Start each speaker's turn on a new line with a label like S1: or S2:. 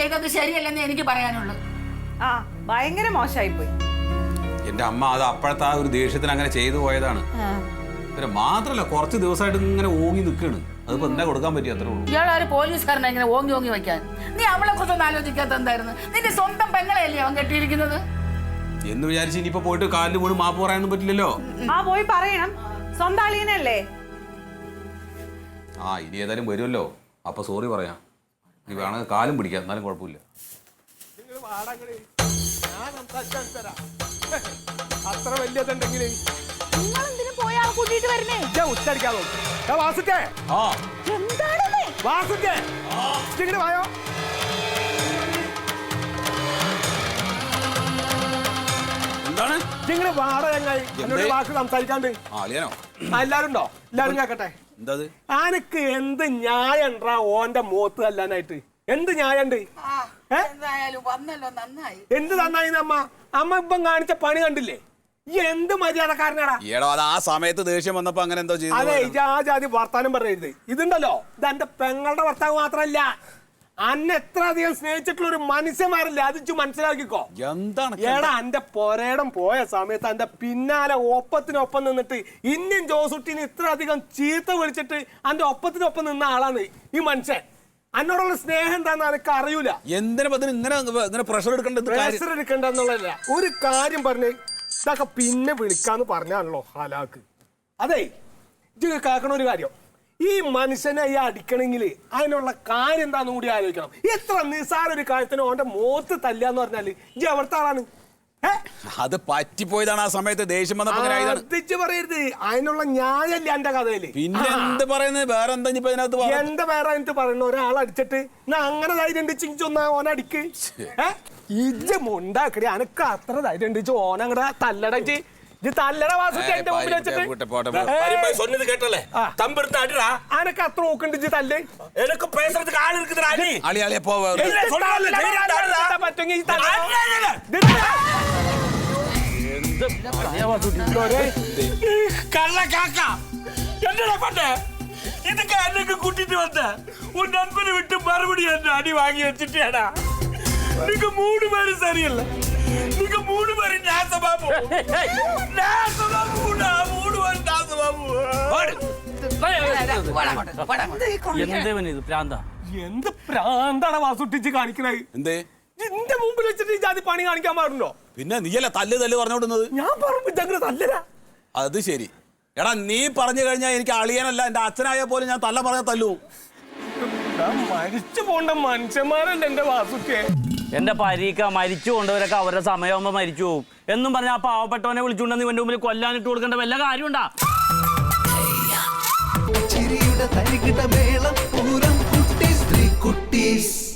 S1: ചെയ്തത് ശരിയല്ലെന്ന് എനിക്ക് പറയാനുള്ളൂ.
S2: ആ ഭയങ്കര മോശമായി പോയി.
S3: എന്റെ അമ്മ അത് അപ്പോഴത്തെ ആ ഒരു ദേഷ്യത്തിന് അങ്ങനെ ചെയ്തു പോയതാണ്. പിന്നെ മാത്രല്ല കുറച്ച് ദിവസമായിട്ട് ഇങ്ങനെ ഓങ്ങി നിൽക്കാണ്. അതിപ്പോ എന്താ കൊടുക്കാൻ പറ്റി അത്രേ ഉള്ളൂ.
S1: ഇയാളൊരു പോലീസുകാരനെ ഇങ്ങനെ ഓങ്ങി ഓങ്ങി വെക്കാൻ നീ അവളെ കുറിച്ചൊന്നും ആലോചിക്കാത്ത എന്തായിരുന്നു? നിന്റെ സ്വന്തം പെങ്ങളെയല്ലേ അവൻ കെട്ടിയിരിക്കുന്നത്
S3: എന്ന് വിചാരിച്ച് ഇനിയിപ്പോ പോയിട്ട് കാലിന് വീണ് മാപ്പ് പറയാനൊന്നും പറ്റില്ലല്ലോ.
S2: ആ പോയി പറയണം, സ്വന്തം അളിയനല്ലേ.
S3: ആ ഇനി ഏതായാലും വരുമല്ലോ, അപ്പൊ സോറി പറയാം. നീ വേണമെങ്കിൽ കാലും പിടിക്കാം, എന്നാലും കുഴപ്പമില്ല.
S4: അത്ര വലിയതുണ്ടെങ്കിൽ
S2: കൂട്ടിട്ട് വരണേ
S4: ഉച്ചടിക്കാൻ വാസുക്കേ വാസുക്കേ ഇങ്ങനെ വായോ.
S3: എന്താണ്
S4: ഇങ്ങനെ വാട ചങ്ങായി എന്നോട് വാക്ക് സംസാരിക്കാണ്ട്. എല്ലാരും ഉണ്ടോ? എല്ലാരും കേക്കട്ടെ. ആനക്ക് എന്ത് ന്യായം ഉണ്ടാ ഓന്റെ മോത്ത് അല്ലാനായിട്ട്? എന്ത് ന്യായണ്ട്? എന്ത് നന്നായി അമ്മ? അമ്മ ഇപ്പം കാണിച്ച പണി കണ്ടില്ലേ? ഈ എന്ത് മര്യാദക്കാരനാടാ.
S3: ആ സമയത്ത് ദേഷ്യം വന്നപ്പോ അങ്ങനെ എന്തോ ചെയ്തു.
S4: അതെ ആ ജാതി വർത്താനം പറയരുത്. ഇതുണ്ടല്ലോ, ഇത് എന്റെ പെങ്ങളുടെ ഭർത്താവ് മാത്രല്ല, അന്നെ എത്ര അധികം സ്നേഹിച്ചിട്ടുള്ള ഒരു മനുഷ്യന്മാരില്ല. അത് മനസ്സിലാക്കിക്കോ.
S3: എന്താണ്
S4: ഏടാ എന്റെ പൊരേടം പോയ സമയത്ത് എന്റെ പിന്നാലെ ഒപ്പത്തിനൊപ്പം നിന്നിട്ട് ഇന്ത്യൻ ജോസുട്ടിന് ഇത്ര അധികം ചീത്ത വിളിച്ചിട്ട് എന്റെ ഒപ്പത്തിനൊപ്പം നിന്ന ആളാണ് ഈ മനുഷ്യൻ. എന്നോടുള്ള സ്നേഹം എന്താന്ന് എനിക്ക് അറിയൂല.
S3: എന്തിനാ പ്രഷർ
S4: എടുക്കണ്ടെന്നുള്ളതല്ല, ഒരു കാര്യം പറഞ്ഞ് ഇതൊക്കെ പിന്നെ വിളിക്കാന്ന് പറഞ്ഞാണല്ലോ ഹലാക്ക്. അതെ ഇത് കേൾക്കണ ഒരു കാര്യം, ഈ മനുഷ്യനെ ഈ അടിക്കണമെങ്കിൽ അതിനുള്ള കാര്യം എന്താന്ന് കൂടി ആലോചിക്കണം. എത്ര നിസ്സാര ഒരു കാര്യത്തിന് ഓന്റെ മോത്ത് തല്ലാന്ന് പറഞ്ഞാല് ഇജ്ജ് എവിടുത്തെ ആളാണ്?
S3: അത് പറ്റിപ്പോയതാണ്. ആ സമയത്ത് ദേഷ്യം
S4: വന്നപ്പോ പറയരുത്. അതിനുള്ള ന്യായല്ല എന്റെ കഥയില്.
S3: പിന്നെ എന്ത് പറയുന്നത്? വേറെ എന്താ
S4: എന്താ വേറെ എന്നിട്ട് പറയണ? ഒരാൾ അടിച്ചിട്ട് അങ്ങനെ ധൈര്യം ഉണ്ടിച്ച് ഒന്നാ ഓനടിക്ക്. ഇജ്ജ് മുണ്ടാക്കടി, അനക്ക് അത്ര ധൈര്യം ഉണ്ടിച്ച് ഓനങ്ങടെ തല്ലടച്ച് തല്ലട വാസുട്ടി എന്റെ മുമ്പിൽ വെച്ചിട്ട് അനക്ക് അത്ര നോക്കണ്ടിച്ച് തല്ല്. പറ്റുമെങ്കിൽ
S5: കൂട്ടിട്ട് വന്ന ഒരു നൻപനെ വിട്ട് മറുപടി എന്നെ അടി വാങ്ങി വെച്ചിട്ടാടാ. നിനക്ക് 3 പേര് ശരിയല്ല. നിനക്ക് 3 പേര് നാസബാബു.
S4: എന്ത് പ്രാന്താണ് വാസുട്ടിച്ച് കാണിക്കണത്? എന്റെ മുമ്പിൽ വെച്ചിട്ട് ജാതി പണി കാണിക്കാൻ പാടുണ്ടോ?
S3: പിന്നെ നീയല്ല തല്ല് പറഞ്ഞോടുന്നത്.
S4: ഞാൻ പറഞ്ഞു തല്ലരാ.
S3: അത് ശരി. എടാ നീ പറഞ്ഞു കഴിഞ്ഞാൽ എനിക്ക് അളിയനല്ല, എന്റെ അച്ഛനായ പോലും ഞാൻ തല്ല പറഞ്ഞ തല്ലു.
S4: മരിച്ചു പോണ്ട മനുഷ്യന്മാരല്ല എന്റെ വാസുക്കെ.
S6: എന്റെ പരീക്ക മരിച്ചു കൊണ്ടവരൊക്കെ അവരുടെ സമയമാകുമ്പോ മരിച്ചു പോകും എന്നും പറഞ്ഞ ആ പാവപ്പെട്ടവനെ വിളിച്ചുകൊണ്ടെന്ന് ഇവന്റെ മുമ്പിൽ കൊല്ലാനിട്ട് കൊടുക്കേണ്ട വല്ല കാര്യമുണ്ടാ?